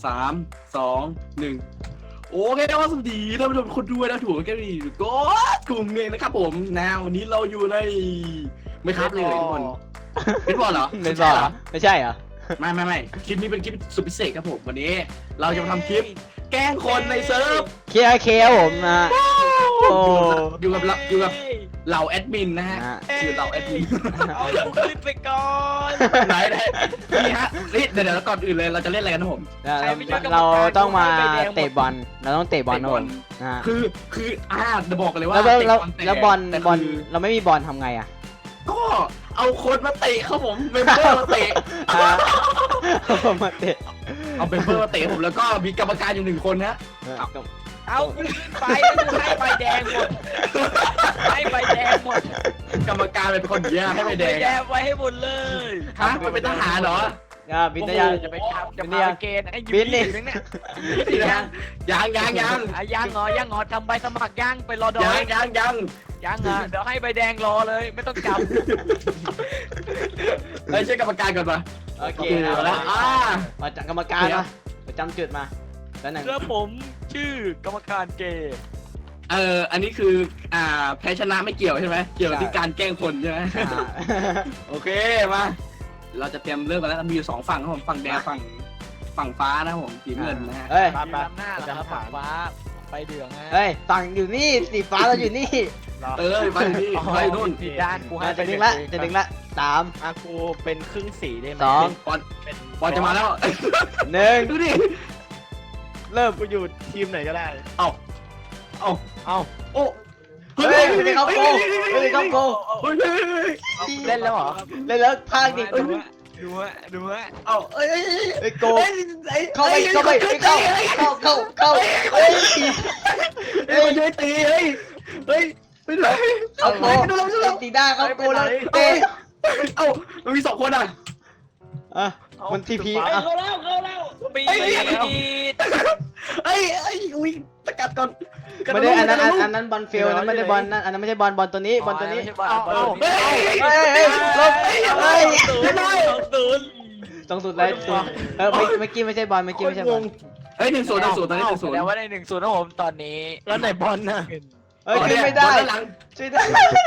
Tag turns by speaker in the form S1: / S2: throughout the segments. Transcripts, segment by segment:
S1: 3 2 1โอเคนะว่าสวัสดีท่านผู้ชมคนด้วยนะถูกแค่นี้ก็กลุ่มเองนะครับผมนะวันนี้เราอยู่ในไม่ครับเลยทุกคนเป็นบอลเหรอ
S2: เป็นบอลเหรอไม่ใช่เหรอ
S1: ไม่คลิปนี้เป็นคลิปสุดพิเศษครับผมวันนี้เราจะมาทำคลิปแกล้งคนในเซิร์ฟ
S2: เคลียร์ผมนะโอ้
S1: อยู่กับเหล่าแอดมินนะฮะคือเหล่าแอดมิน
S3: เอากูขึ้นไปก่อน
S1: ไหนนี่ฮะนี่เดี๋ยวก่อนอื่นเลยเราจะเล่นอะไรกันนะผม
S2: เราต้องมาเตะบอลเราต้องเตะบอลนะผมนะ
S1: คือจะบอกกันเลยว่า
S2: แล้วบอลเราไม่มีบอลทำไงอ่ะ
S1: ก็เอาคนมาเตะครับผมเมมเบอร์มาเตะ
S2: มาเตะ
S1: เอาเมมเบอร์มาเตะผมแล้วก็มีกรรมการอยู่1 คนนะ
S3: เอากูขึ้นไปแล้วกูให้ใบแดงหมดให้ใบแดงหมด
S1: กรรมการเป็นคนแย่ให้ไปแดง
S3: ใบแดงไว้ให้หมดเลย
S1: ฮะมันเป็นทหารเหรอ
S2: บินได้ยัง
S3: จะไปทำจะมาเกณฑ์ไอ้ยูนี่ถึงเนี่ย
S1: ยัง
S3: ยังเหรอทำใบสมัครยังไปรอดอย
S1: ยัง
S3: ยังเหรอเดี๋ยวให้ใบแดงรอเลยไม่ต้องจับ
S1: เฮ้ยช่วยกรรมการก่อนปะ
S2: โอเค
S1: เอาละ
S2: มาจากกรรมการมาประจำจุดมาแล้วหนึ่ง
S3: แล้วผมชื่อกรรมการเกย์
S1: อันนี้คือแพ้ชนะไม่เกี่ยวใช่ไหมเกี่ยวที่การแกล้งคนใช่ไหมโอเคมาเราจะเตรียมเริ่มกันแล้วมีอยู่2 ฝั่งครับผมฝั่งแดงฝั่งฟ้านะครับผมสีเงินนะฮะ
S2: เฮ้ย
S3: ตามหน้าแล้วครับฟ้าไปเดืองฮะ
S2: เฮ้ยฝั่งอยู่นี่สีฟ้าเราอยู่นี่
S1: ไปนี่ไปนู่น
S3: ผิดด้านกูให้
S2: จะดึงละ3
S3: อากูเป็นครึ่งสีได้ไหม
S2: 2
S1: บอลจะมาแล้ว
S2: 1
S1: ดูดิ
S2: เริ่ม
S3: กูอยู่ทีมไหนก็ได้
S1: เอา
S3: เอา
S1: โอ้
S2: เฮ้ยไม่เข้าโกไม่เข้าโก
S3: เล่นแล้วเหรอ
S2: เล่นแล้วพลาดดิ
S3: ดูฮะ
S1: เอาเอ้ย
S2: ไอ้โกเข้าไปเข้าเฮ้ย
S1: เฮ้ยมันจะตีเฮ้ยไปไหน
S2: เอาโกตีด้าเข้าโกแล้วเตะ
S1: เอ้ามันมี2 คนอ่ะ
S2: มันทีพี
S3: เข้าแล้วปีด
S1: เฮ้ยอุ้ยสกัดก่อน
S2: ไม่ได้อันนั้นบอลเฟลนะไม่ได้บอลนั่นอันนั้นไม่ใช่บอลตัวนี้ตัวนี้
S3: เฮ้ย
S2: ลบเฮ้ย
S3: 0
S2: ต้องสุดเลยเมื่อกี้ไม่ใช่บอลเมื่อกี้ไม่ใช่บอล
S1: เฮ้ย1-0ตอนนี้
S3: แสดงว่าได้1-0นะผมตอนนี้แล้วไหนบอลนะ
S2: เฮ้ยขึ้นไม่ได้ช่วยได้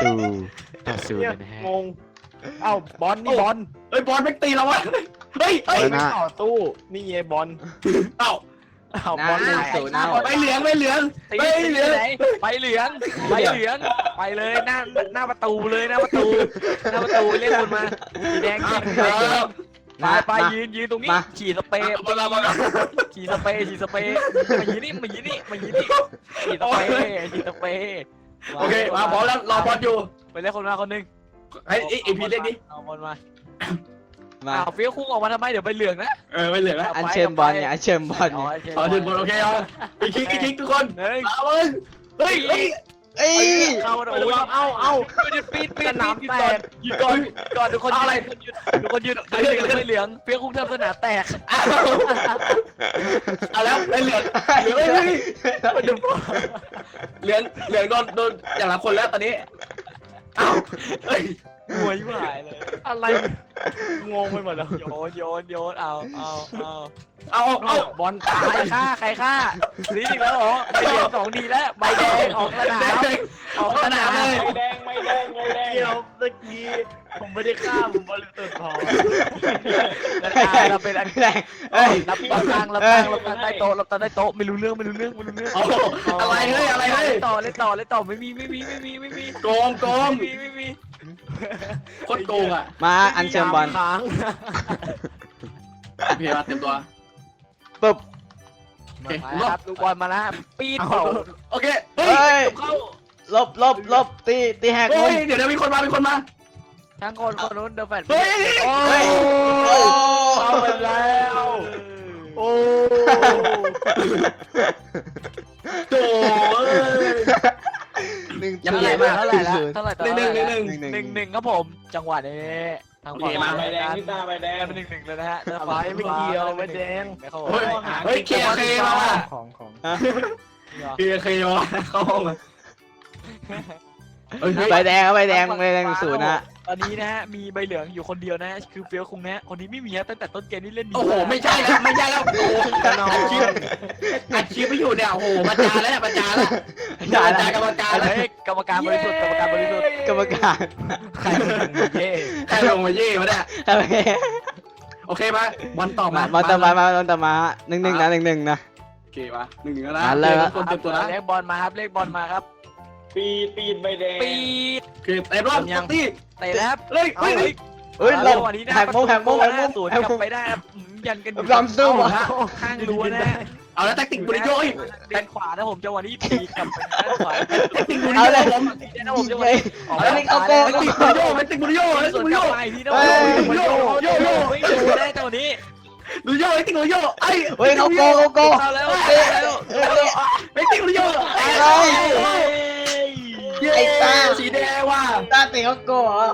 S3: งงเอ้าบอลนี่บอล
S1: เฮ้ยบอลไม่ตีเราวะเฮ้ย
S3: ไม่ต่อตู้นี่ไงบอล
S1: เอ้า
S3: บอล
S2: 0นะ
S1: ไปเหลืองไปเหลือง
S3: ไปเหลืองไปเลยหน้าประตูเลยหน้าประตูเรียกคนมาสีแดงไปยืนตรงนี้ฉีดสเปรย์ฉีดสเปรย์มายืนนี่ฉีดสเปรย์
S1: โอเคมาพร้อมแล้วรอบอลอยู่
S3: ไปเรียกคนมาคนนึง
S1: ไอ้พีเล่นดิ
S3: เอาบอลมา
S2: มา
S3: เฟี้ยวคุ้งออกมาทำไมเดี๋ยวไปเหลืองนะ
S1: ไปเหลืองแล้ว
S2: อันเชิญบอลเนี่ยอันเชิญบอล
S1: ขอถึงบอลโอเคเอาไปคิกทุกคน
S3: เฮ้ย
S1: เอาเลยเฮ้ย
S2: เอ้ย
S3: เข้าโอ้ยเอาปีดสนามแตกหยุดก่อนทุกคนอะไรทุกคนหยุดไม่เหลืองเฟี้ยวคุ้งทำสนามแตก
S1: เอาแล้วไอ้เหลืองเหลืองโดนอย่างละคนแล้วตอนนี้เอาเฮ้ย
S3: หัวยิ่งหายเลยอะไรงงไปหมดแล้วโยนเอาบอลตายใครฆ่าลีอีกแล้วเหรอใบแดง2 ดีแล้วใบแดงออกสนามเลย
S4: ไม่แดงเดี๋ยวเมื่อกี้ผมไม่ได้ฆ่าผมบริสุทธิ์พอ
S3: เราเป็นอัน
S2: แรงเอ้ย
S3: รับตั้งใต้โต๊ะไม่รู้เรื่อง
S1: อะไรเฮ้ยอะไรเฮ้ย
S3: เล่นต่อไม่มี
S1: โกงโคตรโกงอ่ะ
S2: มาอันเชิญบอล
S3: ค้าง
S1: พี่มาเต็มตัว
S2: ปึ๊บ
S3: มาครับดูบอลมาแล้วปีดเผา
S1: โอเค
S2: เฮ้ย
S3: เข้า
S2: ลบตีแหก
S1: เฮ้ยเดี๋ยวมีคนมา
S3: ทั้งคนนู้นเดอะแฟน
S1: เฮ้ย
S2: โอ้
S3: เอาไปแล้วโอ้
S1: โถ่ยังใหญ่มาก
S3: เท่าไหร่ละเท่าไหร่ 1-1ครับผมจังหวะนี้ทาง
S4: ใบแดงพี่ตาใบแดง
S3: เป็น1-1เลยนะฮะ
S4: ไม่เกี่ยวใบแดง
S1: เฮ้ยเคมา
S3: ของ
S1: เคมาเข้าห้องมา
S2: ใบแดง0นะ
S3: ตอนนี้นะฮะมีใบเหลืองอยู่คนเดียวนะคือเฟี้ยวคุงนะคนนี้ไม่มีฮะตั้งแต่ต้นเกมนี่เล่นดี
S1: โอ้โหไม่ใช่แล้วไม่ใช่แล้วโอ้โหอัดคลิปไม่อยู่เนี่ยโอ้โหประจานแล้วประจานแล้วประจานกรรมการแล้ว
S3: เฮ้ยกรรมการบริสุทธิ์กรรมการบริสุทธิ์
S2: กรรมการ
S3: ใครเป็นเย่
S1: ใครลงมาเย่มาเนี่ย
S2: โอเค
S1: โอเคมาบอลต่อ
S2: มา
S1: มา
S2: บอลต่อมา1-1นะ1-1นะ
S1: โอเคมา1-1แล้วนะ
S2: มาเลย
S1: คนเต็มตัวแล้ว
S3: เลขบอลมาครับเลขบอลมาครับ
S4: ปีนใบแดง
S3: ปีด
S1: โอเคเต็มรอบตี
S3: เตะแล้วครับ
S1: เลย
S3: เอา
S1: เฮ้ย
S2: เฮ้ยลง
S3: วันนี้นะ
S2: แหกมุม
S3: สวนกลับไปได้ครับยันกันอยู่
S2: ลำสู้
S3: เอา
S2: อะ
S3: ฮะข้างรั้วนะ
S1: เอาแล้วแท็กติกบุริโย
S3: ด้านขวานะผมจังหวะนี้ปีกลับไปด้านขวา
S1: แท็กติกบุริ
S2: เอา
S1: โย
S2: เลย
S1: ผม
S3: นะผมจังหวะ
S2: เลย
S3: นี้ออก
S2: เอาเลยเอาโก
S1: แท็กติกบุริโยแท็กติกบุริโยแท็ก
S3: ส
S1: ติก
S3: วน
S1: บุริ
S3: ก
S1: โย
S3: ลับไปที่โน่
S2: เฮ้ย
S3: ไม่ดูได้จังหวะนี้
S1: บุริโยแท็กติกบุริโยไอ้
S2: เฮ้ยเขาโก
S3: เข้าแล้ว
S2: เฮ้ย
S3: เข้าแล้ว
S1: แท็กติกบุริโย
S2: ไอ้ตา
S1: สีแดงว่ะ
S2: ตาเตะเขาโกเหรอ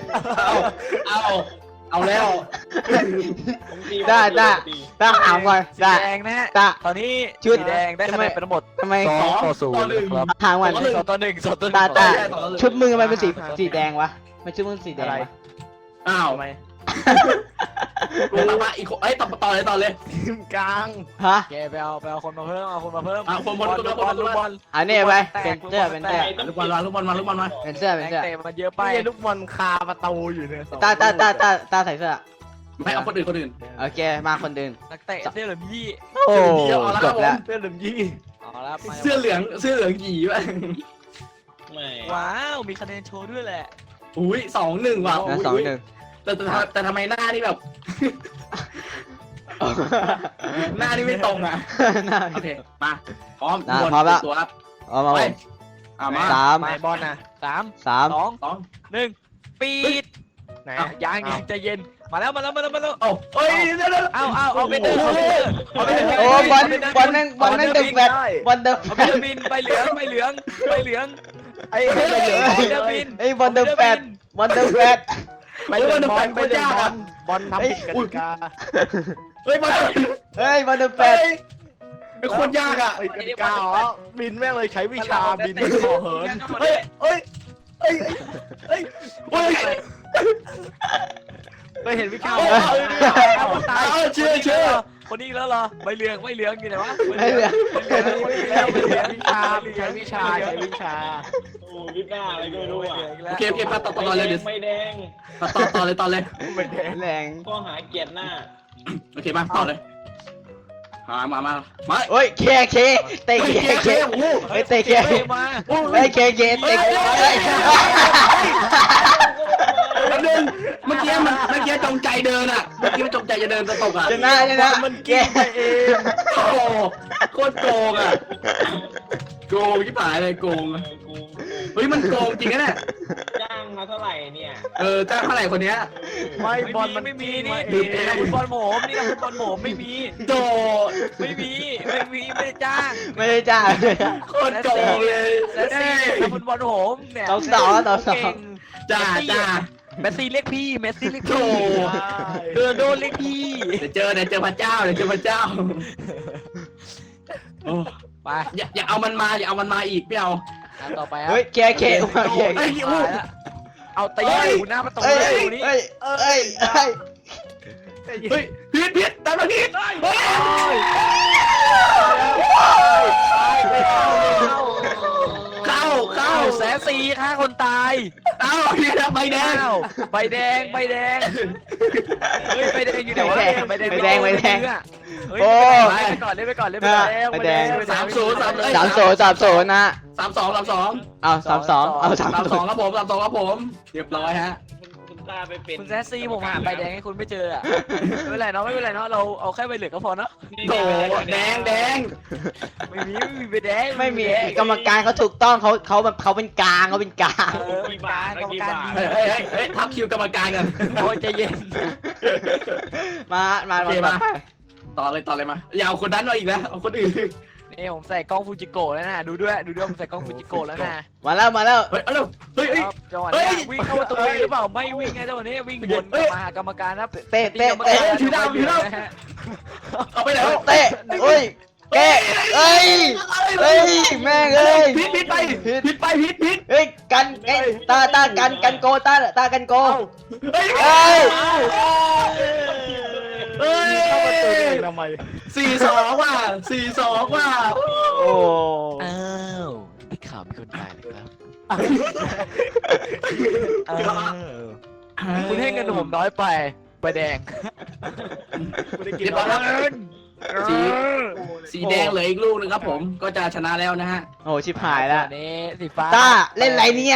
S1: เอาแล้ว
S2: ได้ตาถามก่อน
S3: สี
S2: ได้
S3: แดงนะฮะ
S2: ตา
S3: ตอนนี้
S2: ชุด
S3: สีแดงได้คะแนนเป็นทั้งหมด
S2: ทำไม
S3: 2-0ครับ
S2: ถามก่อน
S3: 2-1
S2: ตาชุดมึงทำไมเป็นสีแดงวะไม่ชุดมึงสีแดงวะ
S1: อ้าว
S3: ทำไม
S1: ลงมาอีกไอ้ต่อเลย
S3: กลาง
S2: ฮะ
S3: แกไปเอาคนมาเพิ่มเอาคนมาเพิ่ม
S1: คนบอล
S3: ลูกบอล
S2: อันนี้ไปเป็นเสื้อเป็นเสื้อ
S1: ลูกบอลมาลูกบอลมา
S2: เป็นเสื้อเป็นเสื้อ
S3: เตะมันเยอะไป
S4: ลูกบอลคาประตูอยู่เนี่ย
S2: ตาใส่เสื้อ
S1: ไม่เอาคนอื่น
S2: โอเคมาคนอื่น
S3: นักเตะเสื้อเหลืองยี่
S2: โอ้จบแล้ว
S4: เสื้อเหลืองยี่
S3: เอาละ
S1: เสื้อเหลืองหยีว่ะ
S4: ไม่
S3: ว้าวมีคะแนนโชว์ด้วยแหละ
S1: อุ้ย2-1ว่ะ
S2: นะ2-1
S1: แต่ทำไมหน้านี่แบบ หน้านี่ไม่ตรงอ่ะโอเคมาพร้อมตัวครับ
S2: เอามา
S1: ไป มา
S3: ไปบอลนะ3
S2: 3
S3: 2 1ปีดไหนยังใจเย็นมาแล้ว
S1: โอ้เฮ้ยเดี๋ยว
S3: เอาไปเดินเอาไปเดิน
S2: โอ้บอลนั่งดึงแบตบอลเดิม
S3: เอาไปเดินบินใบเหลือง
S4: ไอ้
S3: ใบเหลืองบิน
S2: ไอ้บอลเดิมแบตบอลเดิมแบต
S4: ไปเล่นบอลไปเล่นบอลทำผิดกติกา
S1: เฮ้ยมา
S2: เฮ้ยบอลเดิมแบต
S1: เป็นคนยากอ่ะ
S4: กติกาเหรอบินแม่งเลยใช้วิชาบินขอเหิน
S1: เฮ้ย
S4: ไปเห็นวิชา
S3: ตายเชื่อคนนี้แล้วเหรอใบเหลืองอยู่ไหนวะ
S2: ไอ้เหลือ
S4: ใช้วิชาโอ้วิชาอะไรก็ไม่รู้อ่ะ
S1: โอเคมาต่อเลยเดี๋ยว
S4: ไม่แดง
S1: ต่อเลย
S4: ไม่แดง
S2: แรง
S4: ข้อหาเกียรติหน้า
S1: โอเคมาต่อเลยมา
S2: โอ้ยเคเตะเคเฮ้ยเตะเค
S3: มา
S2: เฮ้ยเคเตะ
S1: แล้วนึงเมื่อกี้จงใจเดินอ่ะเมื่อกี้มันจงใจจะเดินจะตกอ่ะ
S2: ชนะมันเก
S4: เอง
S1: โอ้โคตรโกงอ่ะโกงที่ผายเลยโกงเฮ้ยมันโกงจริงนะเนี่ย
S4: จ้างมาเท่าไหร่เนี่ย
S1: จ้างเท่าไหร่คนเนี้ย
S4: ไม่บอลมัน
S3: ไม่มีนี่คุณบอลโหมนี่คุณบอลโหมไม่มี
S1: โด
S3: ไม่ได้จ้าง
S2: ไม่ได้จ้า
S1: โคตรโกงเลย
S3: แล้วสิคุณบอลโหมเนี่ย
S2: ต่อสอง
S1: จ้า
S3: เมสซี่เรียกพี่เมสซี่เรียก
S1: โธ่
S3: พี่โดนเรียกพี่
S1: เดี๋ยวเจอพระเจ้าโอ้
S3: ไป
S1: อย่าเอามันมาอีกไม่เอา
S3: ต่อไป
S2: เฮ้ยเค
S3: เอาตีอยู่หน้าประตูเลยนี่
S2: เฮ้ย
S1: พิษตามมาพิษเข้า
S3: 140,000ฆ่าคนตาย
S1: เอาพี่นะใบแดง
S3: ใบแดงเฮ้ยใบแดงอยู่ไหนวะใบแดงเฮ้ยไปก่อนเล่นไปก่อน
S2: 3-0นะ
S1: 32
S2: เอา32เอา32
S1: ครับผมเรียบร้อยฮะ
S4: คุณตาไปเป็น
S3: คุณแซสซี่ผมหาใบแดงให้คุณไม่เจอไม่เป็นไรเนาะเราเอาแค่ใบเหลืองก็พอเนาะ
S1: โถแดง
S3: ไม่มีใบแดง
S2: ไม่มีกรรมการเขาถูกต้องเขาแบบเขาเป็นกลาง
S3: กรรมการ
S1: เฮ้ยทับคิวกรรมการกัน
S3: โอ้ยใจเย็น
S2: มา
S1: ต่อเลยมาอย่าเอาคนนั้นมาอีกแล้วเอาคนอื่น
S3: นี่ผมใส่กล้องฟูจิโกะแล้วนะดูด้วยผมใส่กล้องฟูจิโกะแล้วนะ
S2: มาแล้ว
S1: เฮ้ยเฮ้ย
S3: จังหวะนี้วิ่งเข้าประตูหรือเปล่าไม่วิ่งไงจังหวะนี้วิ่งวนกลับมาหากรรมการนะ
S2: เตะ
S1: เอาไปไหน
S2: เตะโอ้ยแกเอ้ยแม่งเอ้ย
S1: พิษไป
S2: เฮ้ยกันไอ้ตากันโกตากันโก
S1: เฮ้ย
S2: เอ้ย
S1: เฮ้ย
S4: เข้าประตูเองทำไม
S1: 4-2ว่ะ4-2ว่ะ
S2: โอ้
S3: อ้าวได้ข่าวมีคนตายเลยครับคุณให้เงินผมน้อยไปใบแดง
S4: ไม่ได้กิน
S1: เรียบร้อยแล้วสีแดงเหลืออีกลูกนึงครับผมก็จะชนะแล้วนะฮะ
S2: โอ้ชิบหายแล้ว
S3: นี่สีฟ้า
S2: ตาเล่นไรเนี่ย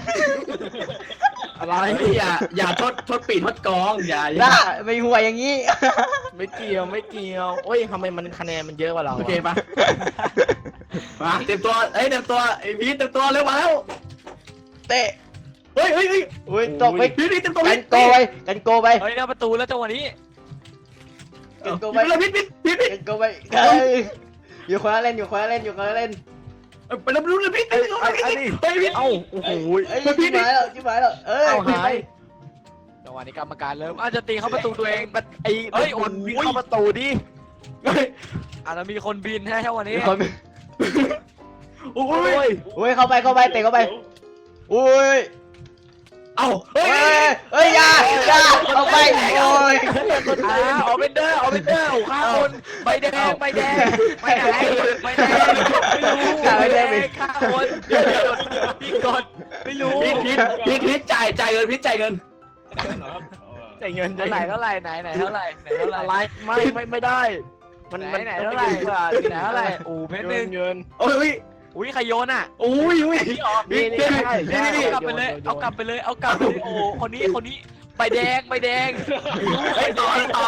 S1: อะไรอย่าทดปีทดกองอย่า
S2: ตาไม่หัวอย่างนี้
S4: ไม่เกี่ยวโอ้ยทำไมมันคะแนนมันเยอะกว่าเรา
S1: โอเคปะมาเตรียมตัวเตรียมตัวไอ้พีทเตรียมตัวเร็วมาแล้ว
S2: เตะ
S1: เฮ้ย
S2: อุ้ยตกไป
S1: พีทเตรียมตัว
S2: กันโกไปกันโกไป
S3: เฮ้ยหน้าประตูแล้วจังหวะนี้
S2: กันโก
S1: ไป
S2: ไป
S1: เลยพีท
S2: กันโกไปเฮ้ยอยู่คนละเล่นอยู่คนละเล่น
S1: ไปแล้วรู้เลยพีท
S4: อันนี้
S1: ไปพีท
S4: เอ้าโอ้โห
S2: เอ้ยชิบหายแล้วเอ้ย
S4: เอาหาย
S3: จังหวะนี้กรรมการเริ่มอาจจะตีเข้าประตูตัวเอง
S4: ไอ้
S3: เฮ้ย
S4: โอนวิ่ง
S3: โอ้ย
S4: เข้าประตูดิ
S3: อาจจะมีคนบินให้จังหวะนี้
S2: มีคน
S1: โอ้
S4: โอ้
S1: ย
S4: ย
S2: อุ้ยเข้าไปเตะเข้าไปอุ้ย
S1: เอ้าเฮ้
S2: เฮ้
S1: ย
S2: ยเฮ้ยอย่าเข้าไปโอ้ย
S3: เอาเป็นเดอร์โอ้ฆ่าคนใบแดงไม่ไหนไม่รู้ฆ่าคนพี่กดไม่รู้
S1: พีทจ่ายเงินพีทจ่ายเงิน
S4: จ่ายเงิน
S3: เท่าไหร่ไหนเท่าไหร่
S4: อะไรไม่ได้ มัน
S3: ไหนเท่าไหร่ไหนเท่าไหร่โอ้เพชรหนึ่ง
S4: เงิน
S1: โอ้ย
S3: อุ้ยใครโยนอ่ะ
S1: โอ้ย
S3: นี่ออก
S4: นี่
S3: เอากลับไปเลยเอากลับไปเลยโอ้คนนี้ใบแดง
S1: ต่อ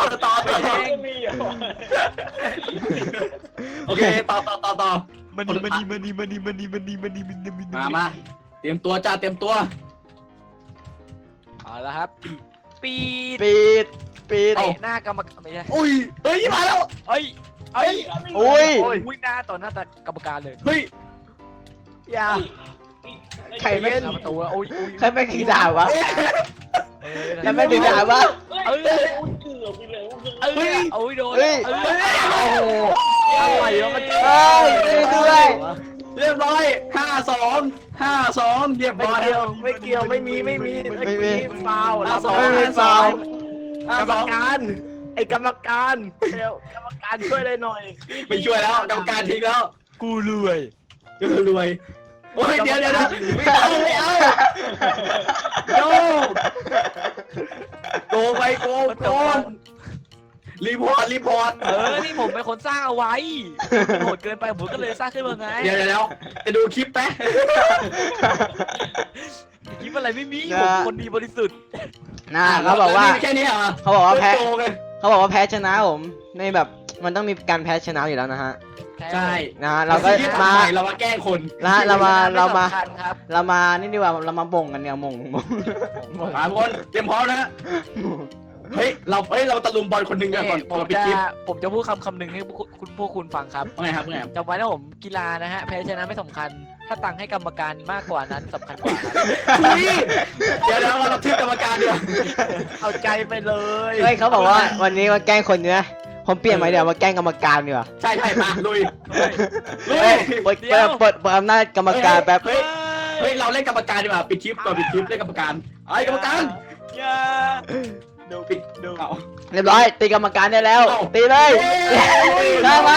S1: โอเคต่อ
S3: มัน
S1: มาเตรียมตัวจ้าเตรียมตัว
S3: เอาละครับปีด
S2: ปิด
S3: เตะหน้ากรรมการไม่ใช่
S1: อุ้ยเฮ้ยมาแล้ว
S3: เอ้ย
S2: อุ้ย
S3: อุ้ยหน้าต่อหน้ากรรมการเลย
S1: เฮ้ย
S2: อย่าใครไม่
S3: หน้าประตูโอ้ย
S2: ใครไม่ถือดาบวะใครไม่ถือดาบวะ
S3: โอ้ยโดน
S2: เฮ้ย
S3: โอ้โห
S4: อะไรวะมัน
S2: เฮ้ยช่วยด้วย
S1: เรียบร้อย5-2เรียบ
S4: ไม่
S1: ร้อย
S4: เกี่ยวไม่มีฟาวแล้ว
S1: 5-2
S4: กรรมการไอ้กรรมการกรรมการช่วยได้หน่อย
S1: ไม่ช่วยแล้วกรรมการทิ้งแล้ว
S3: กูรวย
S1: รวยโอ้ยเดี๋ยวไม่เอาโยโกไปโกรีพอร์ต
S3: นี่ผมเป็นคนสร้างเอาไว้โหดเกินไปผมก็เลยสร้างขึ้นมาไง
S1: เดี๋ยวจะดูคลิปแป๊ะ
S3: คิดอะไรไม่มีผมคนดีบริสุทธิ์
S2: น่าเขาบอกว่า
S1: แค่นี้เหรอ
S2: เขาบอกว่าแพ้
S1: โกไง
S2: เขาบอกว่าแพ้ชนะผมในแบบมันต้องมีการแพ้ชนะอยู่แล้วนะฮะ
S1: ใช่
S2: นะเราก็มา
S1: เรามาแกล้งคน
S2: นะเรามา
S3: ครับ
S2: เรามานี่ดีกว่าเรามาบ่งกันเนี่ยบ่ง
S1: สามคนเตรียมพร้อมนะเฮ้ยเราตะลุมบอลคนหนึ่งกันก่อน
S3: ผมจะพูดคำหนึ่งให้พวกคุณฟังครับ
S1: ว่าไงครับ
S3: จำไว้นะผมกีฬานะฮะแพ้ชนะไม่สำคัญ ถ้าตังค์ให้กรรมการมากกว่านั้นสำคัญกว่าครับ
S1: เดี๋ยวเราทึกกรรมการดีกว่า
S4: เอาใจไปเลย
S2: เฮ้ยเขาบอกว่าวันนี้มาแกล้งคนเนื้อผมเปลี่ยนไหมเดี๋ยวมาแกล้งกรรมการดีกว่า
S1: ใช่มาลุย
S2: เฮ้ยเปิดอำนาจกรรมการแป๊บ
S1: เฮ้ยเราเล่นกรรมการดีกว่าปิดคลิปก่อนปิดคลิปเล่นกรรมการไอ้กรรมการ
S3: อย่า
S1: ปิดเอา
S2: เรียบร้อยตีกรรมการได้แล้วตีเลยได้ไหม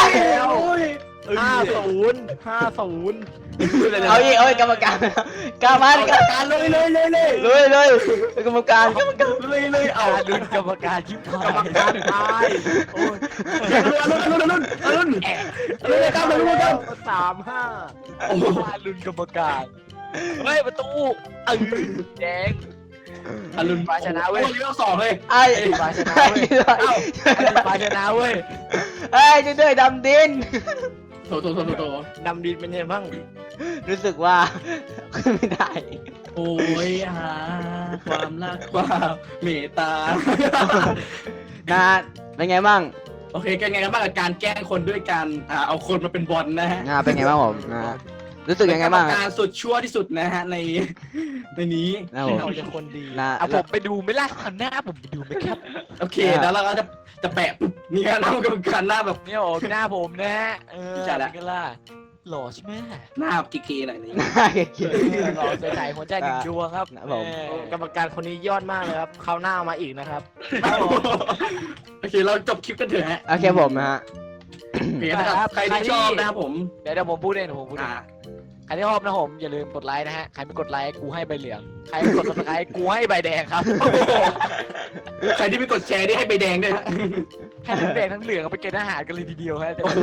S4: 50
S2: เอาอีกเอาอีกกรรมการกรรมการ
S1: กรรมการเลย
S2: เลยกรรมการ
S1: เลยเอา
S3: ลุ้นกรรมการชิบหาย
S4: กรรมการตายโอ้ย
S1: ลุ้นกันลุ้นกัน
S4: 3-5
S1: โอ้โห
S3: ลุ้นกรรมการเฮ้ยประตูแดง
S1: ลุ้น
S3: ฟ้าชนะเว้ย
S1: เลี้ยว2เลย
S2: ไอ้
S3: ฟ้าชนะ
S2: ไอ้
S3: เว้ยฟ้าชนะเว้ย
S2: ไอ้ด้วยดำดิน
S1: โถ
S4: ดำดินเป็นไงบ้าง
S2: รู้สึกว่าขึ้นไม่ได้
S1: โอ้ยหาความรักความเมตตา
S2: นะเป็นไงบ้าง
S1: โอเคเป็นไงกันบ้างกับการแกล้งคนด้วยการเอาคนมาเป็นบอลนะฮะ
S2: เป็นไงบ้างผมรู้สึกยังไงบ้าง
S1: การสุดชั่วที่สุดนะฮะในนี้
S2: นะผม
S4: เราจะคนดี
S3: เอาผมไปดูไม่ล่ะหันหน้าผมไปดูไหมครับ
S1: โอเคแล้วเราก็จะแปะปุ๊บนี่ฮะแล้วกรรมการหน้าแบบ
S3: เนี่ยโอ้หน้าผมนะฮะ
S1: จัดละ
S3: กันล่ะหล่อใช่ไหม
S1: หน้ากีกีหน่อยนี่
S2: น่าเกลียด
S3: หล่อใส่หัวใจหนึ่งดวงครับ
S2: ครับผม
S4: กรรมการคนนี้ยอดมากเลยครับเขาวหน้ามาอีกนะครับ
S1: โอเคเราจบคลิปกันเถอะฮะ
S2: โอเคผมนะฮะ
S1: โอเคนะครับใครที่ชอบนะครับผม
S3: เดี๋ยวผมพูดเองผมพูดเอ
S1: อ่าง
S3: ใครที่ชอบนะผมอย่าลืมกดไลค์นะฮะใครไม่กดไลค์กูให้ใบเหลืองใครไม่กดซับสไครต์กูให้ใบแดงครับ
S1: ใครที่ไม่กดแชร์นี่ให้ใบแดงด้วยฮะ
S3: ให้ทั้งแดงทั้งเหลืองเอาไปเกณฑ์อาหารกันเลยทีเดียวฮะ
S1: โอ้โห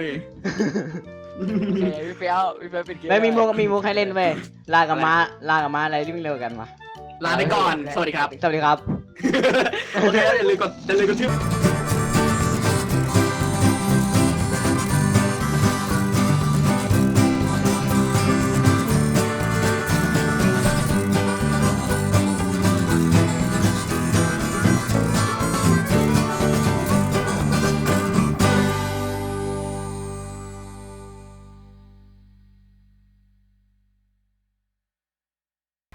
S3: โอเคพี่เฟี้ยวเป็นเกม
S2: ไม่มีมุกให้เล่นเว้ยลากับม้าอะไรที่มันเร็วกันวะ
S1: ลาไปก่อน สวัสดีครับ
S2: สวัสดีครับ
S1: โอเคแล้วอย่าลืมกดชื่อ